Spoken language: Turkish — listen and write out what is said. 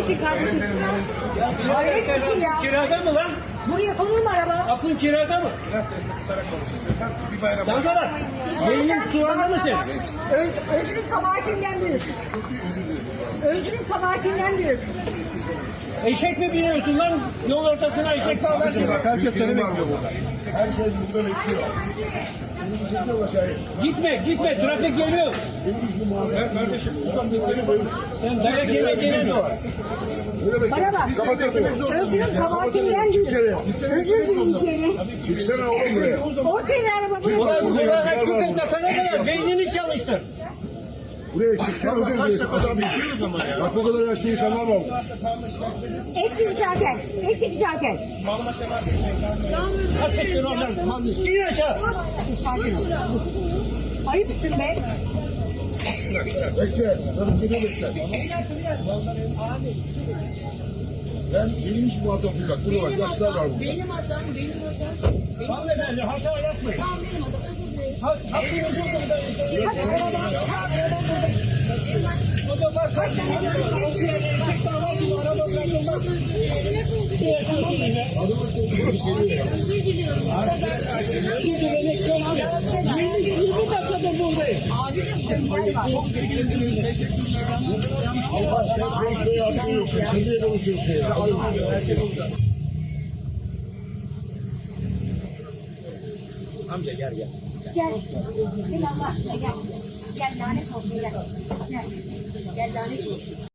neredesin kardeşim? Hayret bir şey ya. Kirada mı lan? Buraya konur mu araba? Aklın kirada mı? Biraz sesle kısarak konuş istiyorsan bir bayram. Dangalar. Beynin sulandı mı senin? Özrün kabahatinden büyük. Özrün kabahatinden büyük. Eşek mi biniyorsun lan? Yol ortasına eşek bağlarsın. Bak herkes seni bekliyor burada. Herkes burada bekliyor. Gitme. Trafik geliyor. Kardeşim buradan ben seni koyayım. Sen dayak yemeyeceğine mi? Bana bak. Özrün kabahatinden büyük. Özür dilerim içeri. Çıksana oğlum buraya. Ortaya araba buraya. Ulan buralara küpe takana kadar beynini çalıştır. Buraya çıksana özür dilerim. Adam bekliyoruz ama ya. Bak bu kadar yaşlı insanlar var. Ettik zaten. Hasrettin oradan. İn aşağı. Sakin ol. Ayıpsın be. Bekle. Tabii geri bekle. Benim hiç muhatap yok. Burada bak yaşlılar var burada. Benim adam. Hanımefendi hata yapmayın. Tamam benim adam. Özür dilerim. Hakkınızı buradayım. Hadi arabadan. O da bak kaç tane eşek bağlarsın. Araba bırakılmaz. Ne yaşıyorsun yine? Özür diliyorum. Özür dilemek çok iyi. 20 dakikadır buradayım. Allah sen konuşmaya atmıyorsun. Sen niye konuşuyorsun ya? Amca gel. Gel. Gel Allah aşkına gel. Gel lanet olsun gel. Gel. Gel lanet olsun.